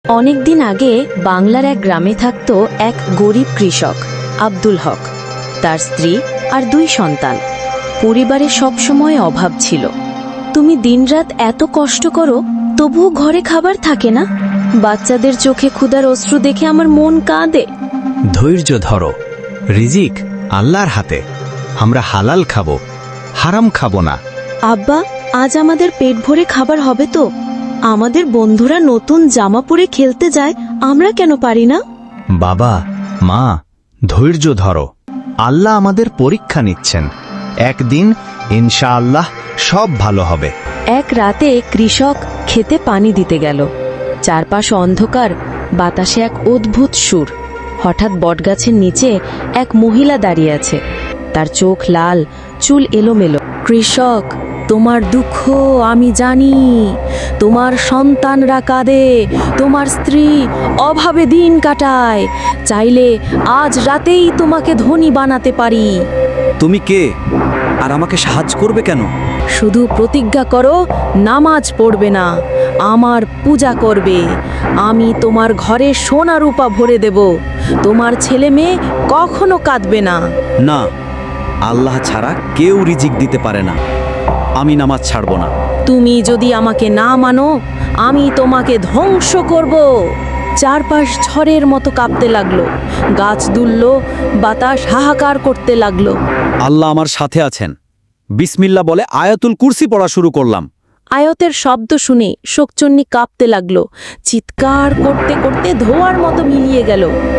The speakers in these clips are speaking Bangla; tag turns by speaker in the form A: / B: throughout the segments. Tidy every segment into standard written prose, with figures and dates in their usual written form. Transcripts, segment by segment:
A: অনেকদিন আগে বাংলার এক গ্রামে থাকত এক গরিব কৃষক আব্দুল হক। তার স্ত্রী আর 2 সন্তান। পরিবারে সবসময় অভাব ছিল। তুমি দিনরাত এত কষ্ট করো, তবুও ঘরে খাবার থাকে না। বাচ্চাদের চোখে ক্ষুধার অশ্রু দেখে আমার মন কাঁদে।
B: ধৈর্য ধরো, রিজিক আল্লাহর হাতে। আমরা হালাল খাবো, হারাম খাবো না।
A: আব্বা, আজ আমাদের পেট ভরে খাবার হবে তো? আমাদের বন্ধুরা নতুন জামা পরে খেলতে যায়, আমরা কেন পারি না?
B: বাবা, মা, ধৈর্য ধরো। আল্লাহ আমাদের পরীক্ষা নিচ্ছেন। একদিন ইনশাআল্লাহ সব ভালো হবে।
A: এক রাতে কৃষক খেতে পানি দিতে গেল। চারপাশ অন্ধকার, বাতাসে এক অদ্ভুত সুর। হঠাৎ বটগাছের নিচে এক মহিলা দাঁড়িয়ে আছে। তার চোখ লাল, চুল এলোমেলো। কৃষক, তোমার দুঃখ আমি জানি। তোমার সন্তানরা কাঁদে, তোমার স্ত্রী অভাবে দিন কাটায়। চাইলে আজ রাতেই তোমাকে ধনী বানাতে পারি।
C: তুমি কে আর আমাকে সাহায্য করবে কেন?
A: শুধু প্রতিজ্ঞা করো, নামাজ পড়বে না, আমার পূজা করবে। আমি তোমার ঘরে সোনা রূপা ভরে দেব। তোমার ছেলে মেয়ে কখনো কাঁদবে না।
C: না, আল্লাহ ছাড়া কেউ রিজিক দিতে পারে না। আমি নামাজ ছাড়ব না।
A: তুমি যদি আমাকে না মানো, আমি তোমাকে ধ্বংস করব। চারপাশ ঝড়ের মতো কাঁপতে লাগলো। গাছ দুলল, বাতাস হাহাকার করতে লাগলো।
C: আল্লাহ আমার সাথে আছেন। বিসমিল্লাহ বলে আয়াতুল কুরসি পড়া শুরু করলাম।
A: আয়াতের শব্দ শুনে শোকচন্নি কাঁপতে লাগলো। চিৎকার করতে করতে ধোঁয়ার মতো মিলিয়ে গেল।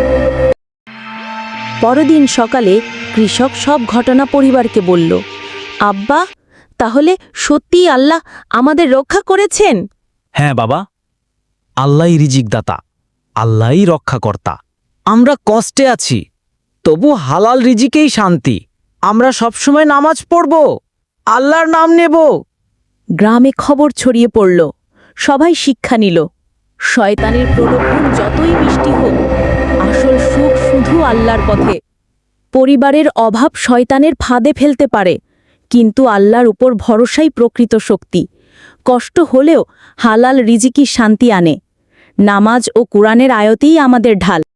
A: পরদিন সকালে কৃষক সব ঘটনা পরিবারকে বলল। আব্বা, তাহলে সত্যি আল্লাহ আমাদের রক্ষা করেছেন?
C: হ্যাঁ বাবা, আল্লাহই রিজিক দাতা, আল্লাহই রক্ষাকর্তা। আমরা কষ্টে আছি, তবু হালাল রিজিকেই শান্তি। আমরা সবসময় নামাজ পড়ব, আল্লাহর নাম নেব।
A: গ্রামে খবর ছড়িয়ে পড়ল। সবাই শিক্ষা নিল। শয়তানের প্রলোভন যতই মিষ্টি হোক, আসল সুখ শুধু আল্লাহর পথে। পরিবারের অভাব শয়তানের ফাঁদে ফেলতে পারে, কিন্তু আল্লাহর উপর ভরসাই প্রকৃত শক্তি। কষ্ট হলেও হালাল রিজিকই শান্তি আনে। নামাজ ও কুরআনের আয়াতেই আমাদের ঢাল।